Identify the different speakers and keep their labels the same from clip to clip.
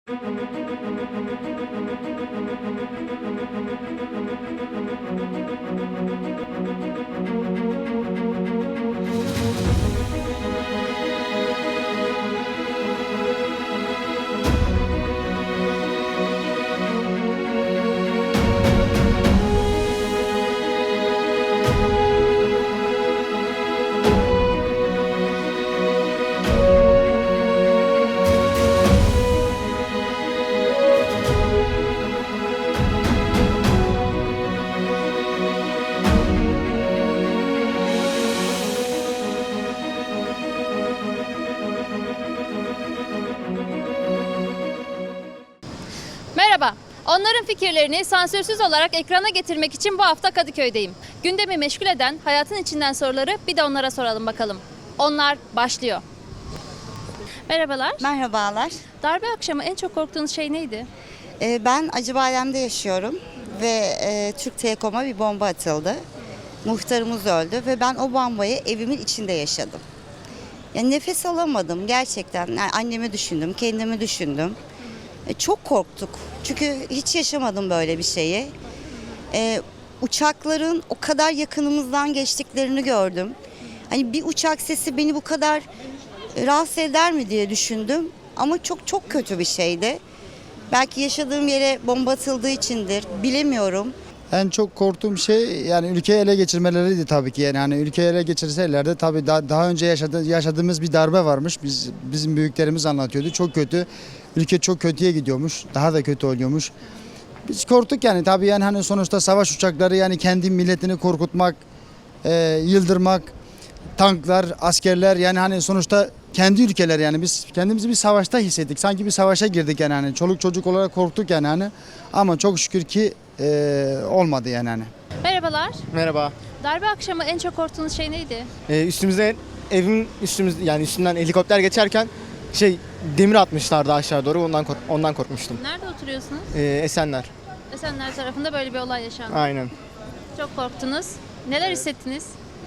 Speaker 1: Merhaba. Onların fikirlerini sansürsüz olarak ekrana getirmek için bu hafta Kadıköy'deyim. Gündemi meşgul eden hayatın içinden soruları bir de onlara soralım bakalım. Onlar başlıyor. Merhabalar.
Speaker 2: Merhabalar.
Speaker 1: Darbe akşamı en çok korktuğunuz şey neydi?
Speaker 2: Ben Acıbadem'de yaşıyorum ve Türk Telekom'a bir bomba atıldı. Muhtarımız öldü ve ben o bombayı evimin içinde yaşadım. Yani nefes alamadım gerçekten. Yani annemi düşündüm, kendimi düşündüm. Çok korktuk. Çünkü hiç yaşamadım böyle bir şeyi. Uçakların o kadar yakınımızdan geçtiklerini gördüm. Hani bir uçak sesi beni bu kadar rahatsız eder mi diye düşündüm. Ama çok çok kötü bir şeydi. Belki yaşadığım yere bomba atıldığı içindir. Bilemiyorum.
Speaker 3: En çok korktuğum şey yani ülkeyi ele geçirmeleriydi tabii ki. Yani hani ülkeyi ele geçirselerdi tabii daha önce yaşadığımız bir darbe varmış. Bizim büyüklerimiz anlatıyordu. Çok kötü. Ülke çok kötüye gidiyormuş. Daha da kötü oluyormuş. Biz korktuk yani tabii yani hani sonuçta savaş uçakları yani kendi milletini korkutmak, yıldırmak, tanklar, askerler yani hani sonuçta kendi ülkeler yani biz kendimizi bir savaşta hissettik. Sanki bir savaşa girdik yani hani çoluk çocuk olarak korktuk yani hani ama çok şükür ki olmadı yani hani.
Speaker 1: Merhabalar.
Speaker 4: Merhaba.
Speaker 1: Darbe akşamı en çok korktuğunuz şey neydi?
Speaker 4: Üstümüze yani üstünden helikopter geçerken demir atmışlardı aşağı doğru ondan korkmuştum.
Speaker 1: Nerede oturuyorsunuz?
Speaker 4: Esenler.
Speaker 1: Esenler tarafında böyle bir olay yaşandı.
Speaker 4: Aynen.
Speaker 1: Çok korktunuz. Neler hissettiniz?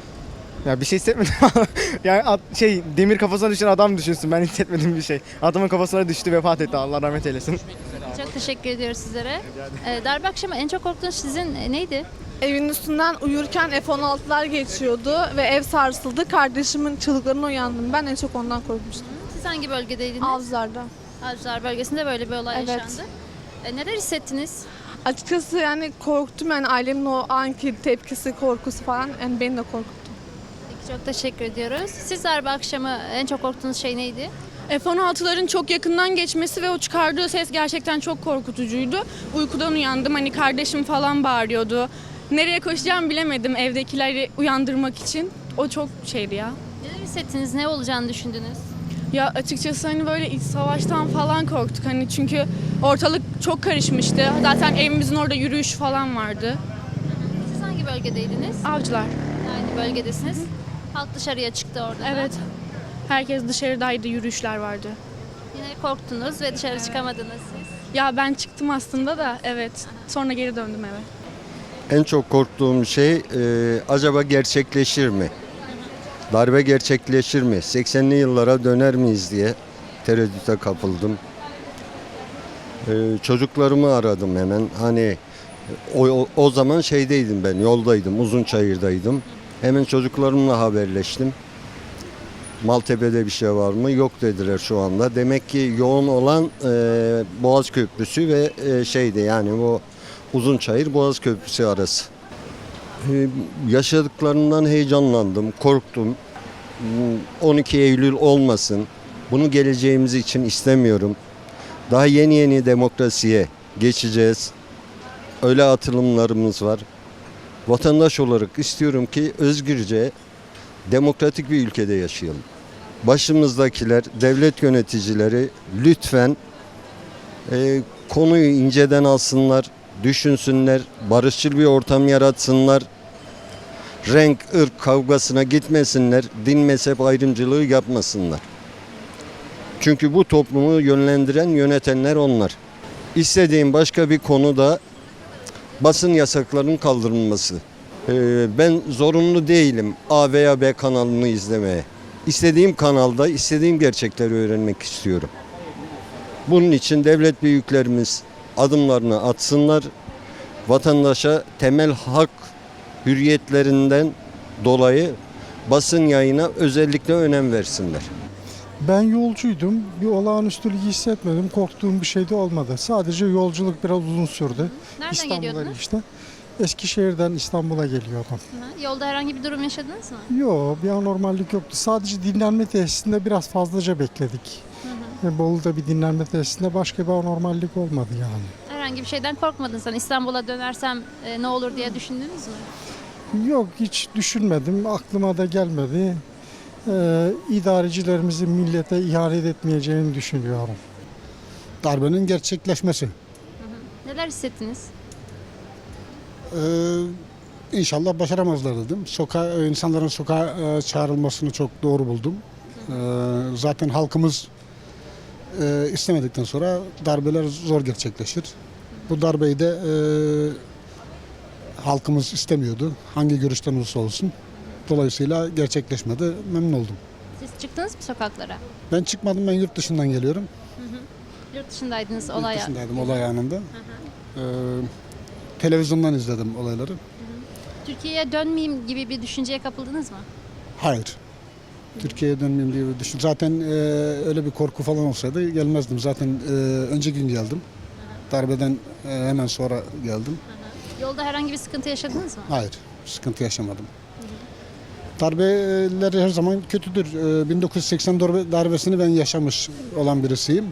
Speaker 4: Ya bir şey hissetmedim. Yani demir kafasına düşen adam düşünsün. Ben hissetmedim bir şey. Adamın kafasına düştü, vefat etti. Allah rahmet eylesin.
Speaker 1: Çok teşekkür ediyoruz sizlere. Darbe akşamı en çok korktuğunuz sizin neydi?
Speaker 5: Evin üstünden uyurken F-16'lar geçiyordu ve ev sarsıldı. Kardeşimin çığlıklarına uyandım. Ben en çok ondan korkmuştum.
Speaker 1: Siz hangi bölgedeydiniz?
Speaker 5: Avcılar'da.
Speaker 1: Avcılar bölgesinde böyle bir olay
Speaker 5: Evet.
Speaker 1: yaşandı. Neler hissettiniz?
Speaker 5: Açıkçası yani korktum, yani ailemin o anki tepkisi, korkusu falan yani beni de korkuttu.
Speaker 1: Peki, çok teşekkür ediyoruz. Siz darbe akşamı en çok korktuğunuz şey neydi?
Speaker 6: F-16'ların çok yakından geçmesi ve o çıkardığı ses gerçekten çok korkutucuydu. Uykudan uyandım, hani kardeşim falan bağırıyordu. Nereye koşacağımı bilemedim evdekileri uyandırmak için. O çok şeydi ya.
Speaker 1: Neler hissettiniz? Ne olacağını düşündünüz?
Speaker 6: Ya açıkçası hani böyle iç savaştan falan korktuk. Hani çünkü ortalık çok karışmıştı. Zaten evimizin orada yürüyüş falan vardı.
Speaker 1: Siz hangi bölgedeydiniz?
Speaker 6: Avcılar.
Speaker 1: Aynı bölgedesiniz. Halk dışarıya çıktı orada da.
Speaker 6: Evet. Herkes dışarıdaydı, yürüyüşler vardı.
Speaker 1: Yine korktunuz ve dışarı çıkamadınız siz.
Speaker 6: Ya ben çıktım aslında da evet. Sonra geri döndüm eve.
Speaker 7: En çok korktuğum şey acaba gerçekleşir mi? Darbe gerçekleşir mi? 80'li yıllara döner miyiz diye tereddüte kapıldım. Çocuklarımı aradım hemen. Hani o zaman şeydeydim ben, yoldaydım, Uzunçayır'daydım. Hemen çocuklarımla haberleştim. Maltepe'de bir şey var mı? Yok dediler şu anda. Demek ki yoğun olan Boğaz Köprüsü ve yani bu Uzunçayır Boğaz Köprüsü arası. Yaşadıklarından heyecanlandım, korktum. 12 Eylül olmasın. Bunu geleceğimiz için istemiyorum. Daha yeni demokrasiye geçeceğiz. Öyle atılımlarımız var. Vatandaş olarak istiyorum ki özgürce, demokratik bir ülkede yaşayalım. Başımızdakiler, devlet yöneticileri lütfen konuyu inceden alsınlar, düşünsünler, barışçıl bir ortam yaratsınlar. Renk, ırk kavgasına gitmesinler, din mezhep ayrımcılığı yapmasınlar. Çünkü bu toplumu yönlendiren, yönetenler onlar. İstediğim başka bir konu da basın yasaklarının kaldırılması. Ben zorunlu değilim A veya B kanalını izlemeye. İstediğim kanalda istediğim gerçekleri öğrenmek istiyorum. Bunun için devlet büyüklerimiz adımlarını atsınlar. Vatandaşa temel hak hürriyetlerinden dolayı basın yayına özellikle önem versinler.
Speaker 8: Ben yolcuydum. Bir olağanüstülük hissetmedim. Korktuğum bir şey de olmadı. Sadece yolculuk biraz uzun sürdü.
Speaker 1: Nereden
Speaker 8: İstanbul'a
Speaker 1: geliyordunuz?
Speaker 8: işte. Eskişehir'den İstanbul'a geliyordum.
Speaker 1: Hı. Yolda herhangi bir durum yaşadınız mı?
Speaker 8: Yok, bir anormallik yoktu. Sadece dinlenme tesisinde biraz fazlaca bekledik. Bolu'da bir dinlenme tesisinde başka bir anormallik olmadı yani.
Speaker 1: Herhangi bir şeyden korkmadın sen. İstanbul'a dönersem ne olur diye düşündünüz mü?
Speaker 8: Yok, hiç düşünmedim. Aklıma da gelmedi. İdarecilerimizin millete ihanet etmeyeceğini düşünüyorum.
Speaker 9: Darbenin gerçekleşmesi.
Speaker 1: Neler hissettiniz?
Speaker 9: İnşallah başaramazlar dedim. İnsanların sokağa çağrılmasını çok doğru buldum. Zaten halkımız istemedikten sonra darbeler zor gerçekleşir. Bu darbeyi de halkımız istemiyordu. Hangi görüşten olursa olsun. Dolayısıyla gerçekleşmedi. Memnun oldum.
Speaker 1: Siz çıktınız mı sokaklara?
Speaker 9: Ben çıkmadım. Ben yurt dışından geliyorum.
Speaker 1: Yurt dışındaydınız
Speaker 9: Yurt
Speaker 1: olay.
Speaker 9: dışındaydım olay anında. Televizyondan izledim olayları.
Speaker 1: Türkiye'ye dönmeyeyim gibi bir düşünceye kapıldınız mı?
Speaker 9: Hayır. Türkiye'ye dönmeyeyim diye bir düşün. Zaten öyle bir korku falan olsaydı gelmezdim. Zaten önceki gün geldim. Darbeden hemen sonra geldim.
Speaker 1: Yolda herhangi bir sıkıntı yaşadınız mı?
Speaker 9: Hayır, sıkıntı yaşamadım. Darbeler her zaman kötüdür. 1980 darbesini ben yaşamış olan birisiyim.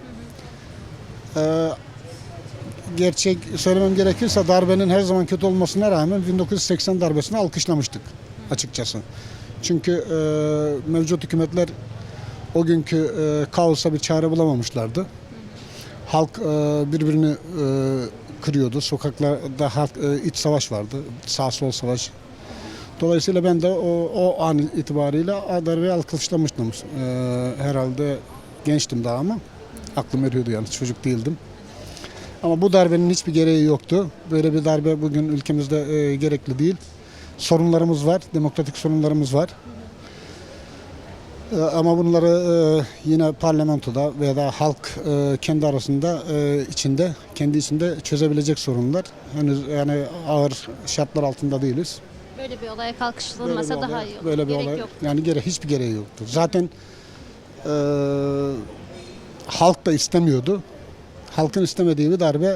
Speaker 9: Gerçek söylemem gerekirse darbenin her zaman kötü olmasına rağmen 1980 darbesini alkışlamıştık açıkçası. Çünkü mevcut hükümetler o günkü kaosa bir çare bulamamışlardı. Halk birbirini kırıyordu. Sokaklarda iç savaş vardı. Sağ sol savaş. Dolayısıyla ben de o an itibariyle darbeyi alkışlamıştım. Herhalde gençtim daha ama aklım eriyordu yani çocuk değildim. Ama bu darbenin hiçbir gereği yoktu. Böyle bir darbe bugün ülkemizde gerekli değil. Sorunlarımız var, demokratik sorunlarımız var. Ama bunları yine parlamentoda veya da halk kendi arasında kendi içinde çözebilecek sorunlar. Henüz yani ağır şartlar altında değiliz.
Speaker 1: Böyle bir olaya kalkışılmasa daha iyi olur.
Speaker 9: Böyle bir
Speaker 1: Gerek
Speaker 9: olay
Speaker 1: yok.
Speaker 9: yani hiçbir gereği yoktu. Zaten halk da istemiyordu. Halkın istemediği bir darbe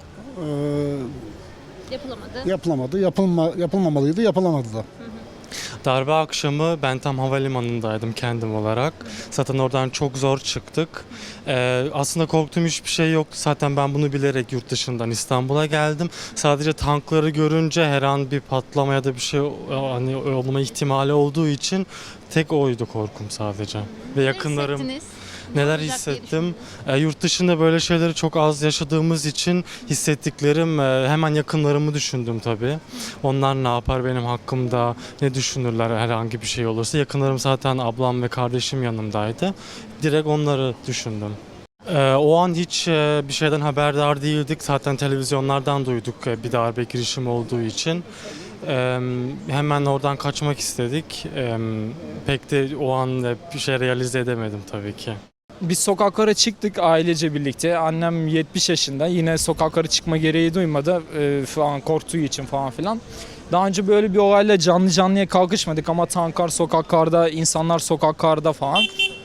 Speaker 1: Yapılamadı.
Speaker 9: yapılamadı. Yapılmamalıydı, yapılamadı da.
Speaker 10: Darbe akşamı ben tam havalimanındaydım kendim olarak. Zaten oradan çok zor çıktık. Aslında korktuğum hiçbir şey yoktu. Zaten ben bunu bilerek yurt dışından İstanbul'a geldim. Sadece tankları görünce her an bir patlama ya da bir şey hani olma ihtimali olduğu için tek oydu korkum sadece. Ve yakınlarım...
Speaker 1: hissettiniz?
Speaker 10: Neler
Speaker 1: olacak diye
Speaker 10: hissettim? Yurt dışında böyle şeyleri çok az yaşadığımız için hissettiklerim hemen yakınlarımı düşündüm tabii. Onlar ne yapar benim hakkımda, ne düşünürler herhangi bir şey olursa. Yakınlarım zaten ablam ve kardeşim yanımdaydı. Direkt onları düşündüm. O an hiç bir şeyden haberdar değildik. Zaten televizyonlardan duyduk bir darbe girişimi olduğu için. Hemen oradan kaçmak istedik. Pek de o an bir şey realize edemedim tabii ki.
Speaker 11: Biz sokaklara çıktık ailece birlikte. Annem 70 yaşında. Yine sokaklara çıkma gereği duymadı. Falan korktuğu için falan filan. Daha önce böyle bir olayla canlı canlıya kalkışmadık ama tanklar sokaklarda, insanlar sokaklarda falan.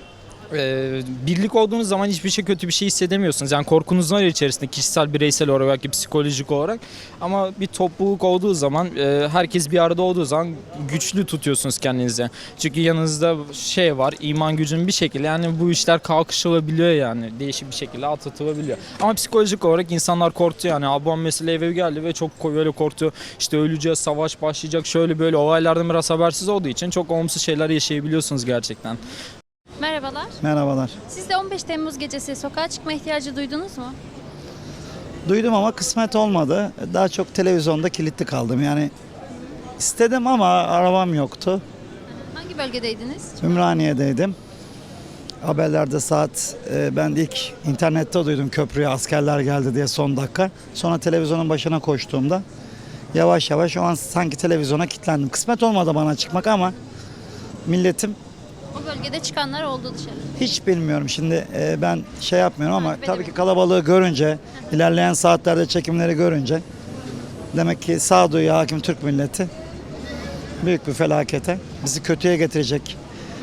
Speaker 11: Birlik olduğunuz zaman hiçbir şey kötü bir şey hissedemiyorsunuz. Yani korkunuz var içerisinde kişisel, bireysel olarak, belki psikolojik olarak. Ama bir topluluk olduğu zaman, herkes bir arada olduğu zaman güçlü tutuyorsunuz kendinizi. Çünkü yanınızda şey var, iman gücünün bir şekilde yani bu işler kalkışılabiliyor yani. Değişik bir şekilde atlatılabiliyor. Ama psikolojik olarak insanlar korktu yani. Ablam mesela eve geldi ve çok böyle korktu. İşte öleceğiz, savaş başlayacak, şöyle böyle olaylardan biraz habersiz olduğu için çok olumsuz şeyler yaşayabiliyorsunuz gerçekten.
Speaker 1: Merhabalar.
Speaker 12: Merhabalar.
Speaker 1: Siz de 15 Temmuz gecesi sokağa çıkma ihtiyacı duydunuz mu?
Speaker 12: Duydum ama kısmet olmadı. Daha çok televizyonda kilitli kaldım. Yani istedim ama arabam yoktu.
Speaker 1: Hangi bölgedeydiniz?
Speaker 12: Ümraniye'deydim. Haberlerde ben de ilk internette duydum köprüye askerler geldi diye son dakika. Sonra televizyonun başına koştuğumda yavaş yavaş o an sanki televizyona kilitlendim. Kısmet olmadı bana çıkmak ama milletim
Speaker 1: O bölgede çıkanlar oldu dışarı.
Speaker 12: Hiç bilmiyorum şimdi ben şey yapmıyorum ama
Speaker 1: Takip
Speaker 12: tabii ki
Speaker 1: edemedim.
Speaker 12: kalabalığı görünce, ilerleyen saatlerde çekimleri görünce demek ki sağduyuya hakim Türk milleti büyük bir felakete, bizi kötüye getirecek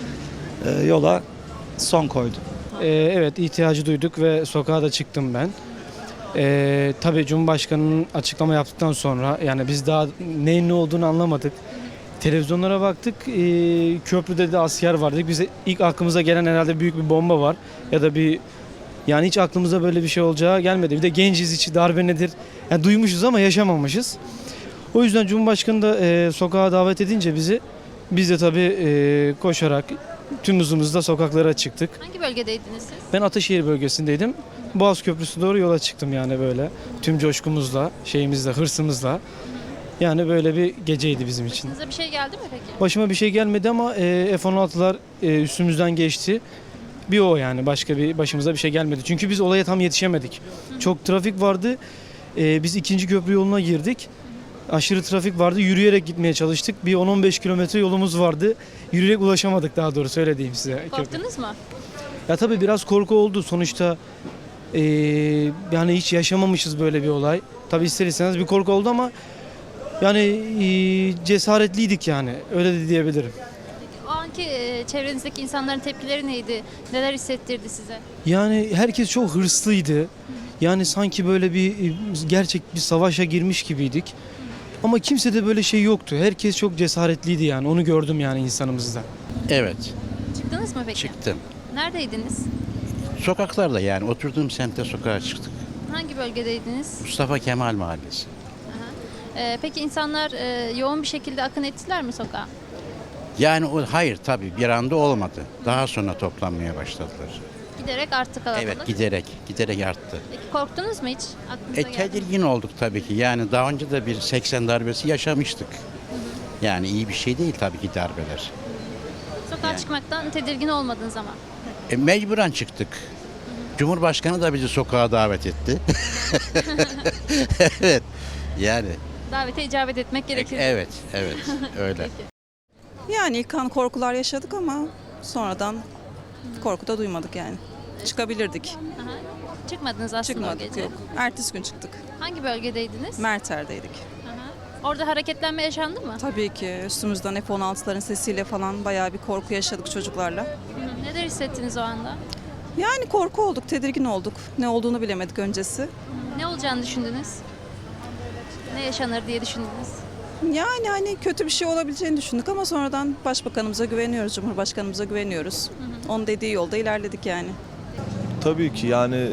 Speaker 12: yola son koydu.
Speaker 11: Evet, ihtiyacı duyduk ve sokağa da çıktım ben. Tabii Cumhurbaşkanı'nın açıklama yaptıktan sonra yani biz daha neyin ne olduğunu anlamadık. Televizyonlara baktık, köprüde de asker vardı. Bize ilk aklımıza gelen herhalde büyük bir bomba var ya da yani hiç aklımıza böyle bir şey olacağı gelmedi. Bir de genciz, içi darbe nedir? Yani duymuşuz ama yaşamamışız. O yüzden Cumhurbaşkanı da sokağa davet edince biz de tabii koşarak tüm hızımızla sokaklara çıktık.
Speaker 1: Hangi bölgedeydiniz siz?
Speaker 11: Ben Ataşehir bölgesindeydim. Boğaz Köprüsü doğru yola çıktım yani böyle. Tüm coşkumuzla, şeyimizle, hırsımızla. Yani böyle bir geceydi bizim için.
Speaker 1: Size bir şey geldi mi peki?
Speaker 11: Başıma bir şey gelmedi ama F-16'lar üstümüzden geçti. Bir o yani başka başımıza bir şey gelmedi. Çünkü biz olaya tam yetişemedik. Çok trafik vardı. Biz 2. köprü yoluna girdik. Aşırı trafik vardı. Yürüyerek gitmeye çalıştık. Bir 10-15 kilometre yolumuz vardı. Yürüyerek ulaşamadık daha doğrusu öyle diyeyim size.
Speaker 1: Korktunuz mu?
Speaker 11: Ya tabii biraz korku oldu. Sonuçta yani hiç yaşamamışız böyle bir olay. Tabii ister istemez bir korku oldu ama yani cesaretliydik yani. Öyle de diyebilirim.
Speaker 1: O anki çevrenizdeki insanların tepkileri neydi? Neler hissettirdi size?
Speaker 11: Yani herkes çok hırslıydı. Yani sanki böyle gerçek bir savaşa girmiş gibiydik. Ama kimse de böyle şey yoktu. Herkes çok cesaretliydi yani. Onu gördüm yani insanımızda.
Speaker 13: Evet,
Speaker 1: Çıktınız mı peki?
Speaker 13: çıktım.
Speaker 1: Neredeydiniz?
Speaker 13: Sokaklarda yani oturduğum semtte sokağa çıktık.
Speaker 1: Hangi bölgedeydiniz?
Speaker 13: Mustafa Kemal Mahallesi.
Speaker 1: Peki insanlar yoğun bir şekilde akın ettiler mi sokağa?
Speaker 13: Yani hayır tabii bir anda olmadı. Daha sonra toplanmaya başladılar.
Speaker 1: Giderek arttı kalabalık.
Speaker 13: Evet giderek arttı.
Speaker 1: Peki korktunuz mu hiç? Aklınıza geldi mi?
Speaker 13: Tedirgin olduk tabii ki. Yani daha önce de bir 80 darbesi yaşamıştık. Yani iyi bir şey değil tabii ki darbeler.
Speaker 1: Sokağa
Speaker 13: Yani.
Speaker 1: çıkmaktan tedirgin olmadığınız zaman.
Speaker 13: Mecburen çıktık. Cumhurbaşkanı da bizi sokağa davet etti. Evet. Yani
Speaker 1: Davete icabet etmek gerekir.
Speaker 13: evet öyle.
Speaker 14: Yani ilk an korkular yaşadık ama sonradan korku da duymadık yani. Çıkabilirdik.
Speaker 1: Aha. Çıkmadınız aslında o
Speaker 14: Çıkmadık
Speaker 1: gece.
Speaker 14: yok. Ertesi gün çıktık.
Speaker 1: Hangi bölgedeydiniz?
Speaker 14: Merter'deydik.
Speaker 1: Aha. Orada hareketlenme yaşandı mı?
Speaker 14: Tabii ki üstümüzden F-16'ların sesiyle falan bayağı bir korku yaşadık çocuklarla.
Speaker 1: Neler hissettiniz o anda?
Speaker 14: Yani korku olduk, tedirgin olduk. Ne olduğunu bilemedik öncesi.
Speaker 1: Ne olacağını düşündünüz? Ne yaşanır diye düşündünüz?
Speaker 14: Yani hani kötü bir şey olabileceğini düşündük ama sonradan başbakanımıza güveniyoruz, cumhurbaşkanımıza güveniyoruz. Onun dediği yolda ilerledik yani.
Speaker 15: Tabii ki yani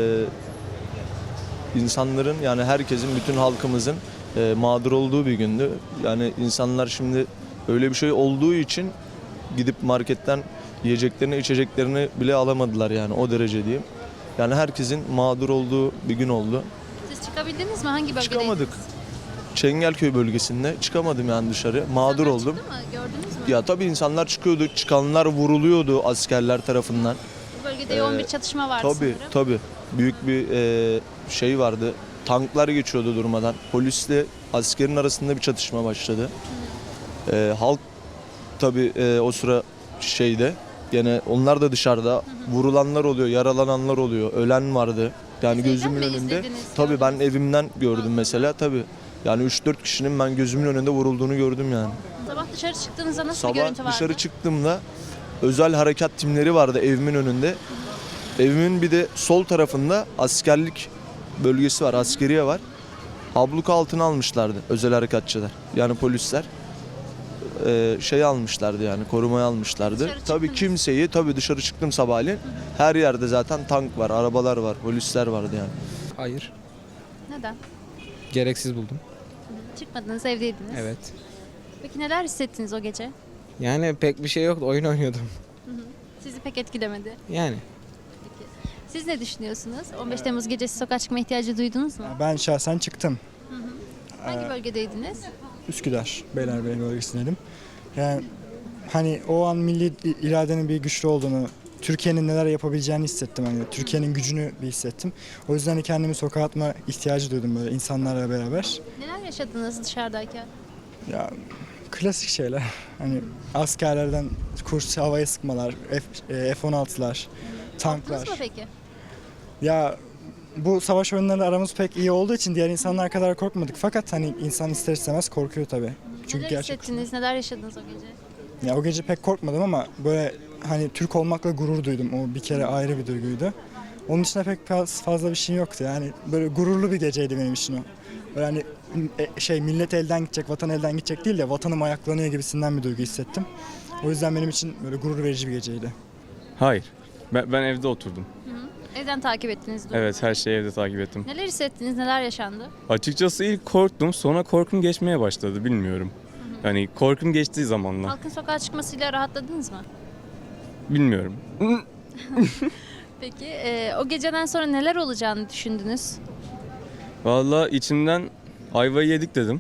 Speaker 15: insanların yani herkesin, bütün halkımızın mağdur olduğu bir gündü. Yani insanlar şimdi öyle bir şey olduğu için gidip marketten yiyeceklerini, içeceklerini bile alamadılar yani o derece diyeyim. Yani herkesin mağdur olduğu bir gün oldu.
Speaker 1: Siz çıkabildiniz mi? Hangi bölgedeydiniz?
Speaker 15: Çıkamadık. Çengelköy bölgesinde çıkamadım yani dışarı. Mağdur
Speaker 1: İnsanlar
Speaker 15: oldum.
Speaker 1: çıktı mı? Gördünüz mü?
Speaker 15: Ya tabii insanlar çıkıyordu, çıkanlar vuruluyordu askerler tarafından.
Speaker 1: Bu bölgede yoğun bir çatışma vardı
Speaker 15: Tabii
Speaker 1: sanırım.
Speaker 15: tabii. Büyük bir şey vardı. Tanklar geçiyordu durmadan. Polisle askerin arasında bir çatışma başladı. Halk tabii o sıra gene onlar da dışarıda. Vurulanlar oluyor, yaralananlar oluyor, ölen vardı. Yani
Speaker 1: Siz evden
Speaker 15: gözümün
Speaker 1: mi
Speaker 15: önünde.
Speaker 1: izlediniz?
Speaker 15: Tabii ben evimden gördüm mesela tabii. Yani 3-4 kişinin ben gözümün önünde vurulduğunu gördüm yani.
Speaker 1: Sabah dışarı çıktığınızda nasıl bir görüntü
Speaker 15: Sabah
Speaker 1: vardı?
Speaker 15: dışarı çıktığımda özel harekat timleri vardı evimin önünde. Evimin bir de sol tarafında askerlik bölgesi var, askeriye var. Abluka altına almışlardı özel harekatçılar. Yani polisler almışlardı yani korumaya almışlardı.
Speaker 1: Dışarı
Speaker 15: Tabii
Speaker 1: çıktınız.
Speaker 15: kimseyi dışarı çıktım sabahleyin. Her yerde zaten tank var, arabalar var, polisler vardı yani.
Speaker 16: Hayır.
Speaker 1: Neden?
Speaker 16: Gereksiz buldum.
Speaker 1: Çıkmadınız, evdeydiniz.
Speaker 16: Evet.
Speaker 1: Peki neler hissettiniz o gece?
Speaker 16: Yani pek bir şey yoktu. Oyun oynuyordum.
Speaker 1: Sizi pek etkilemedi.
Speaker 16: Yani.
Speaker 1: Siz ne düşünüyorsunuz? 15 Temmuz gecesi sokağa çıkma ihtiyacı duydunuz mu?
Speaker 17: Ben şahsen çıktım.
Speaker 1: Hangi bölgedeydiniz?
Speaker 17: Üsküdar, Beylerbeyi bölgesindeydim. Yani hani o an milli iradenin bir güçlü olduğunu, Türkiye'nin neler yapabileceğini hissettim. Hani Türkiye'nin gücünü bir hissettim. O yüzden kendimi sokağa atma ihtiyacı duydum böyle insanlarla beraber.
Speaker 1: Neler yaşadınız dışarıdayken?
Speaker 17: Ya Klasik şeyler. Hani askerlerden kurs havaya sıkmalar, F-16'lar, tanklar.
Speaker 1: Korktunuz mu peki?
Speaker 17: Ya bu savaş oyunlarıyla aramız pek iyi olduğu için diğer insanlar kadar korkmadık. Fakat hani insan ister istemez korkuyor tabii. Çünkü
Speaker 1: Neler
Speaker 17: gerçek.
Speaker 1: hissettiniz, neler yaşadınız o gece?
Speaker 17: Ya o gece pek korkmadım ama böyle hani Türk olmakla gurur duydum. O bir kere ayrı bir duyguydu. Onun dışında pek fazla bir şey yoktu. Yani böyle gururlu bir geceydi benim için o. Böyle hani millet elden gidecek, vatan elden gidecek değil de vatanım ayaklanıyor gibisinden bir duygu hissettim. O yüzden benim için böyle gurur verici bir geceydi.
Speaker 18: Hayır. Ben evde oturdum.
Speaker 1: Evden takip ettiniz durumu.
Speaker 18: Evet, her şeyi evde takip ettim.
Speaker 1: Neler hissettiniz, neler yaşandı?
Speaker 18: Açıkçası ilk korktum, sonra korkum geçmeye başladı, bilmiyorum. Yani korkum geçtiği zamanla.
Speaker 1: Halkın sokağa çıkmasıyla rahatladınız mı?
Speaker 18: Bilmiyorum.
Speaker 1: Peki o geceden sonra neler olacağını düşündünüz?
Speaker 18: Vallahi içimden ayvayı yedik dedim.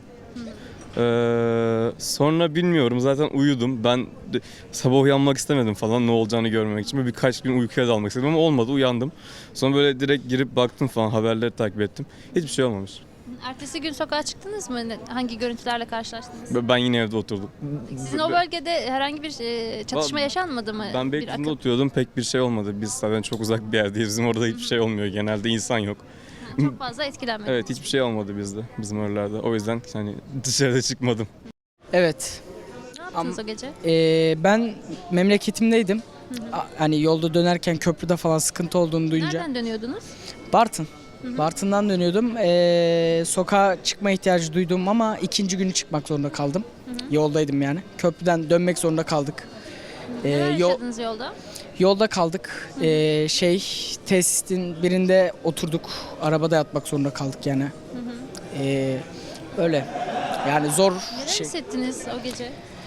Speaker 18: Sonra bilmiyorum, zaten uyudum. Ben sabah uyanmak istemedim falan, ne olacağını görmemek için. Böyle birkaç gün uykuya dalmak istedim ama olmadı, uyandım. Sonra böyle direkt girip baktım falan, haberleri takip ettim. Hiçbir şey olmamış.
Speaker 1: Ertesi gün sokağa çıktınız mı? Hangi görüntülerle karşılaştınız?
Speaker 18: Ben yine evde oturdum.
Speaker 1: Sizin o bölgede herhangi bir çatışma yaşanmadı mı?
Speaker 18: Ben
Speaker 1: Bir
Speaker 18: Beylikdüzü'nde
Speaker 1: akın?
Speaker 18: oturuyordum, pek bir şey olmadı. Biz zaten çok uzak bir yerdeyiz. Bizim orada hiçbir şey olmuyor. Genelde insan yok.
Speaker 1: Çok fazla etkilenmedi.
Speaker 18: Evet, hiçbir şey olmadı bizde, bizim oralarda. O yüzden hani dışarıda çıkmadım.
Speaker 19: Evet.
Speaker 1: Ne yaptınız o gece?
Speaker 19: Ben memleketimdeydim. Hani yolda dönerken köprüde falan sıkıntı olduğunu duyunca.
Speaker 1: Nereden dönüyordunuz?
Speaker 19: Bartın. Bartın'dan dönüyordum. Sokağa çıkma ihtiyacı duydum ama ikinci günü çıkmak zorunda kaldım. Yoldaydım yani. Köprüden dönmek zorunda kaldık.
Speaker 1: Neler yaşadınız yolda?
Speaker 19: Yolda kaldık. Tesisin birinde oturduk. Arabada yatmak zorunda kaldık yani. Öyle. Yani zor
Speaker 1: Neler
Speaker 19: şey.
Speaker 1: hissettiniz o gece?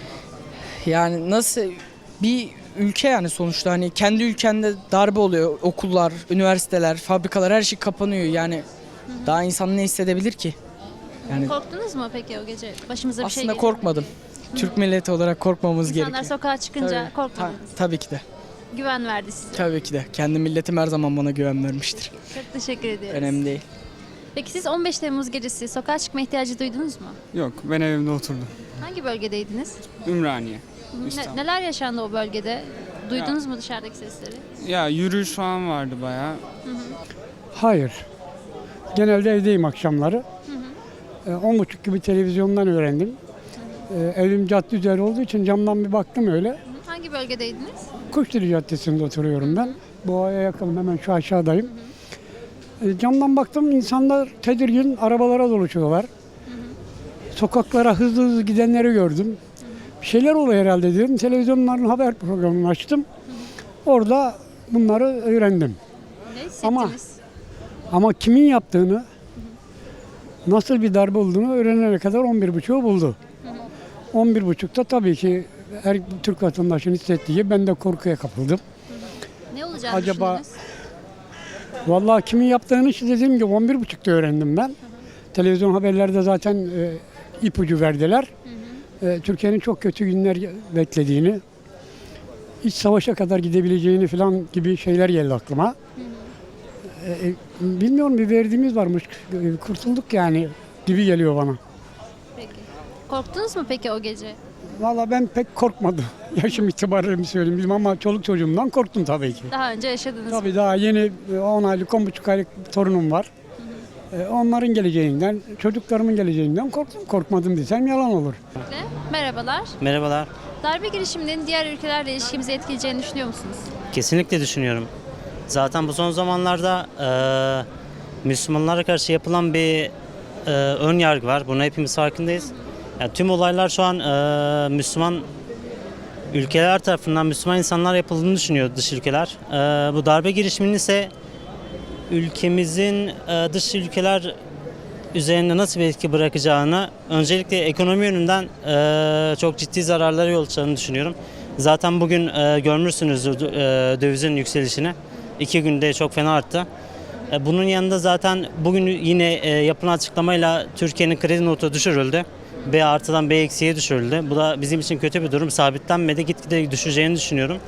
Speaker 19: Yani nasıl bir ülke yani sonuçta hani kendi ülkende darbe oluyor. Okullar, üniversiteler, fabrikalar her şey kapanıyor yani. Daha insan ne hissedebilir ki? Yani
Speaker 1: Korktunuz mu peki o gece? Başımıza bir şey
Speaker 19: aslında
Speaker 1: geldi.
Speaker 19: korkmadım. Türk milleti olarak korkmamız
Speaker 1: İnsanlar
Speaker 19: gerekiyor.
Speaker 1: sokağa çıkınca korkmadınız.
Speaker 19: Tabii ki de.
Speaker 1: Güven verdi size.
Speaker 19: Tabii ki de. Kendi milletim her zaman bana güven vermiştir.
Speaker 1: Çok teşekkür ediyoruz.
Speaker 19: Önemli değil.
Speaker 1: Peki siz 15 Temmuz gecesi sokağa çıkma ihtiyacı duydunuz mu?
Speaker 20: Yok, ben evimde oturdum.
Speaker 1: Hangi bölgedeydiniz?
Speaker 20: Ümraniye. İstanbul.
Speaker 1: Neler yaşandı o bölgede? Duydunuz mu dışarıdaki sesleri?
Speaker 20: Ya yürüyüş falan vardı bayağı.
Speaker 8: Hayır. Genelde evdeyim akşamları. 10.30 gibi televizyondan öğrendim. Evim cadde üzeri olduğu için camdan bir baktım öyle.
Speaker 1: Hangi bölgedeydiniz?
Speaker 8: Kuşdili Caddesi'nde oturuyorum ben. Boğa'ya yakınım, hemen şu aşağıdayım. Camdan baktım, insanlar tedirgin, arabalara doluşuyorlar. Sokaklara hızlı hızlı gidenleri gördüm. Bir şeyler oluyor herhalde diyorum. Televizyonların haber programını açtım. Orada bunları öğrendim.
Speaker 1: Ne hissettiniz?
Speaker 8: Ama kimin yaptığını, nasıl bir darbe olduğunu öğrenene kadar 11.30'u buldu. 11.30'da tabii ki her Türk vatandaşının hissettiği, ben de korkuya kapıldım.
Speaker 1: Ne olacağını
Speaker 8: Acaba
Speaker 1: düşündünüz?
Speaker 8: vallahi kimin yaptığını işte dediğim gibi 11.30'da öğrendim ben. Televizyon haberlerde zaten ipucu verdiler. Türkiye'nin çok kötü günler beklediğini, iç savaşa kadar gidebileceğini falan gibi şeyler geldi aklıma. Bilmiyorum, bir verdiğimiz varmış, kurtulduk yani gibi geliyor bana.
Speaker 1: Peki. Korktunuz mu peki o gece?
Speaker 8: Vallahi ben pek korkmadım. Yaşım itibariyle mi söyleyeyim ama çoluk çocuğumdan korktum tabii ki.
Speaker 1: Daha önce yaşadınız mı?
Speaker 8: Tabii daha yeni 10 aylık, 10,5 aylık torunum var. Onların geleceğinden, çocuklarımın geleceğinden korktum. Korkmadım desem yalan olur.
Speaker 1: Merhabalar.
Speaker 21: Merhabalar.
Speaker 1: Darbe girişiminin diğer ülkelerle ilişkimizi etkileyeceğini düşünüyor musunuz?
Speaker 21: Kesinlikle düşünüyorum. Zaten bu son zamanlarda Müslümanlara karşı yapılan bir ön yargı var. Buna hepimiz farkındayız. Yani tüm olaylar şu an Müslüman ülkeler tarafından Müslüman insanlar yapıldığını düşünüyor, dış ülkeler. Bu darbe girişiminin ise ülkemizin dış ülkeler üzerinde nasıl bir etki bırakacağını, öncelikle ekonomi yönünden çok ciddi zararlara yol açacağını düşünüyorum. Zaten bugün görmüşsünüzdür dövizin yükselişini. 2 günde çok fena arttı. Bunun yanında zaten bugün yine yapılan açıklamayla Türkiye'nin kredi notu düşürüldü. B artıdan B eksiye düşürüldü. Bu da bizim için kötü bir durum. Sabitlenmedi, gitgide düşeceğini düşünüyorum.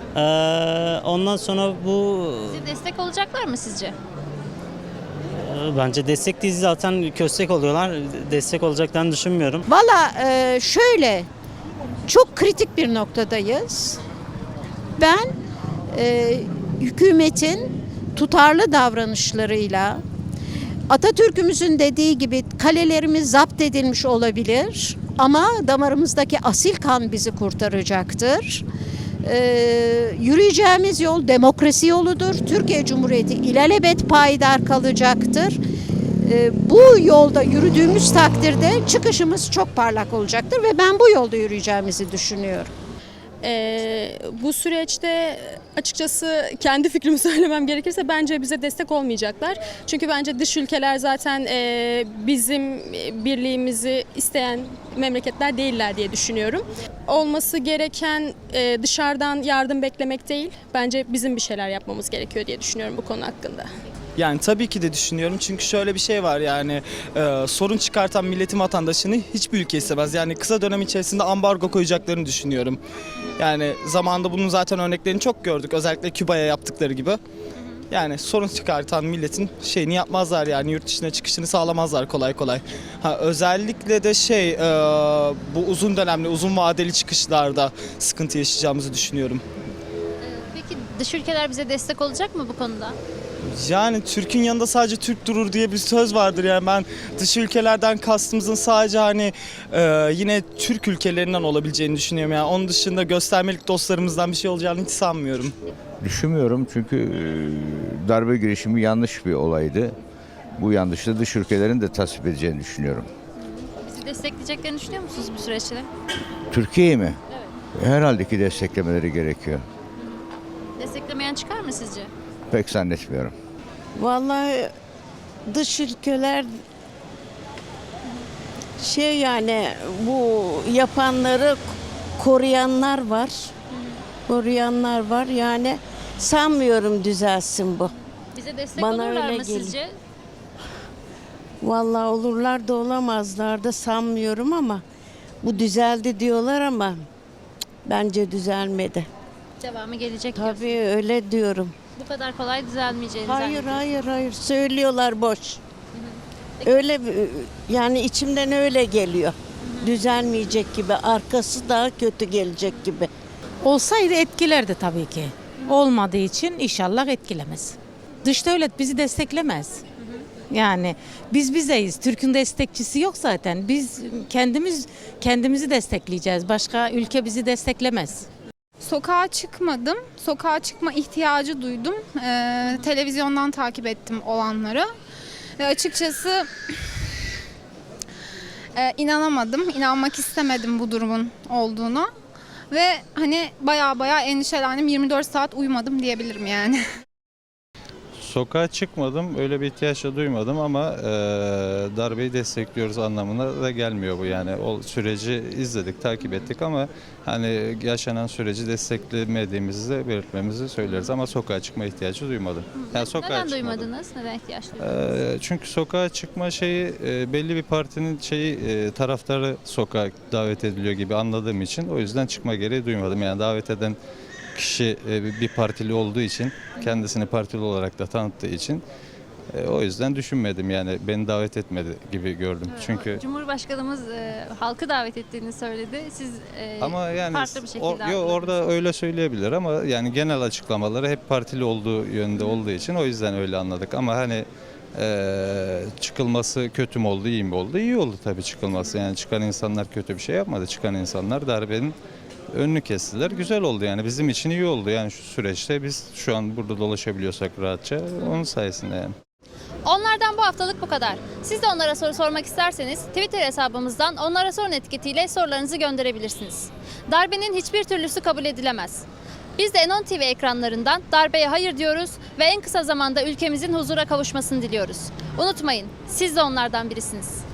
Speaker 21: Ondan sonra bu...
Speaker 1: Size destek olacaklar mı sizce?
Speaker 21: Bence destek değil, zaten köstek oluyorlar. Destek olacaklarını düşünmüyorum.
Speaker 2: Valla şöyle, çok kritik bir noktadayız. Ben hükümetin tutarlı davranışlarıyla, Atatürk'ümüzün dediği gibi kalelerimiz zapt edilmiş olabilir ama damarımızdaki asil kan bizi kurtaracaktır. Yürüyeceğimiz yol demokrasi yoludur. Türkiye Cumhuriyeti ilelebet payidar kalacaktır. Bu yolda yürüdüğümüz takdirde çıkışımız çok parlak olacaktır ve ben bu yolda yürüyeceğimizi düşünüyorum.
Speaker 22: Bu süreçte açıkçası kendi fikrimi söylemem gerekirse bence bize destek olmayacaklar. Çünkü bence dış ülkeler zaten bizim birliğimizi isteyen memleketler değiller diye düşünüyorum. Olması gereken dışarıdan yardım beklemek değil, bence bizim bir şeyler yapmamız gerekiyor diye düşünüyorum bu konu hakkında.
Speaker 23: Yani tabii ki de düşünüyorum çünkü şöyle bir şey var yani sorun çıkartan milletin vatandaşını hiçbir ülke istemez. Yani kısa dönem içerisinde ambargo koyacaklarını düşünüyorum. Yani zamanında bunun zaten örneklerini çok gördük, özellikle Küba'ya yaptıkları gibi. Yani sorun çıkartan milletin şeyini yapmazlar, yani yurt dışına çıkışını sağlamazlar kolay kolay. Özellikle de bu uzun dönemli, uzun vadeli çıkışlarda sıkıntı yaşayacağımızı düşünüyorum.
Speaker 1: Peki dış ülkeler bize destek olacak mı bu konuda?
Speaker 23: Yani Türk'ün yanında sadece Türk durur diye bir söz vardır. Yani ben dış ülkelerden kastımızın sadece yine Türk ülkelerinden olabileceğini düşünüyorum. Yani onun dışında göstermelik dostlarımızdan bir şey olacağını hiç sanmıyorum.
Speaker 24: Düşünmüyorum çünkü darbe girişimi yanlış bir olaydı. Bu yanlışı dış ülkelerin de tasvip edeceğini düşünüyorum.
Speaker 1: Bizi destekleyeceklerini düşünüyor musunuz bu süreçte?
Speaker 24: Türkiye'yi mi?
Speaker 1: Evet.
Speaker 24: Herhalde ki desteklemeleri gerekiyor.
Speaker 1: Desteklemeyen çıkar mı sizce?
Speaker 24: Pek zannetmiyorum.
Speaker 2: Vallahi dış ülkeler yani bu yapanları koruyanlar var. Koruyanlar var. Yani sanmıyorum düzelsin bu.
Speaker 1: Bize destek
Speaker 2: Bana
Speaker 1: olurlar
Speaker 2: öyle
Speaker 1: mı
Speaker 2: geliyor.
Speaker 1: sizce?
Speaker 2: Vallahi olurlar da olamazlar da sanmıyorum ama bu düzeldi diyorlar ama bence düzelmedi.
Speaker 1: Devamı gelecek.
Speaker 2: Tabii öyle diyorum.
Speaker 1: Bu kadar kolay düzelmeyeceğini
Speaker 2: Hayır
Speaker 1: zannediyorum.
Speaker 2: hayır söylüyorlar boş. Öyle yani içimden öyle geliyor. Düzelmeyecek gibi, arkası daha kötü gelecek gibi.
Speaker 25: Olsaydı etkilerdi tabii ki. Olmadığı için inşallah etkilemez. Dış devlet bizi desteklemez. Yani biz bizeyiz. Türk'ün destekçisi yok zaten. Biz kendimizi destekleyeceğiz. Başka ülke bizi desteklemez.
Speaker 26: Sokağa çıkmadım. Sokağa çıkma ihtiyacı duydum. Televizyondan takip ettim olanları. Ve açıkçası inanamadım. İnanmak istemedim bu durumun olduğunu. Ve baya endişelendim. 24 saat uyumadım diyebilirim yani.
Speaker 27: Sokağa çıkmadım, öyle bir ihtiyaç da duymadım ama darbeyi destekliyoruz anlamına da gelmiyor bu yani. O süreci izledik, takip ettik ama yaşanan süreci desteklemediğimizi de belirtmemizi söyleriz ama sokağa çıkma ihtiyacı duymadım. Yani
Speaker 1: Neden duymadınız? Neden ihtiyaç
Speaker 27: duymadınız? Çünkü sokağa çıkma belli bir partinin taraftarı sokağa davet ediliyor gibi anladığım için o yüzden çıkma gereği duymadım. Yani davet eden kişi bir partili olduğu için, kendisini partili olarak da tanıttığı için o yüzden düşünmedim yani beni davet etmedi gibi gördüm. Çünkü
Speaker 1: Cumhurbaşkanımız halkı davet ettiğini söyledi. Siz
Speaker 27: ama yani
Speaker 1: farklı bir şekilde
Speaker 27: orada öyle söyleyebilir ama yani genel açıklamaları hep partili olduğu yönde olduğu için o yüzden öyle anladık ama çıkılması kötü mü oldu, iyi mi oldu? İyi oldu tabii çıkılması. Yani çıkan insanlar kötü bir şey yapmadı. Çıkan insanlar darbenin önünü kestiler. Güzel oldu yani bizim için iyi oldu. Yani şu süreçte biz şu an burada dolaşabiliyorsak rahatça onun sayesinde yani.
Speaker 1: Onlardan bu haftalık bu kadar. Siz de onlara soru sormak isterseniz Twitter hesabımızdan onlara sorun etiketiyle sorularınızı gönderebilirsiniz. Darbenin hiçbir türlüsü kabul edilemez. Biz de N10 TV ekranlarından darbeye hayır diyoruz ve en kısa zamanda ülkemizin huzura kavuşmasını diliyoruz. Unutmayın, siz de onlardan birisiniz.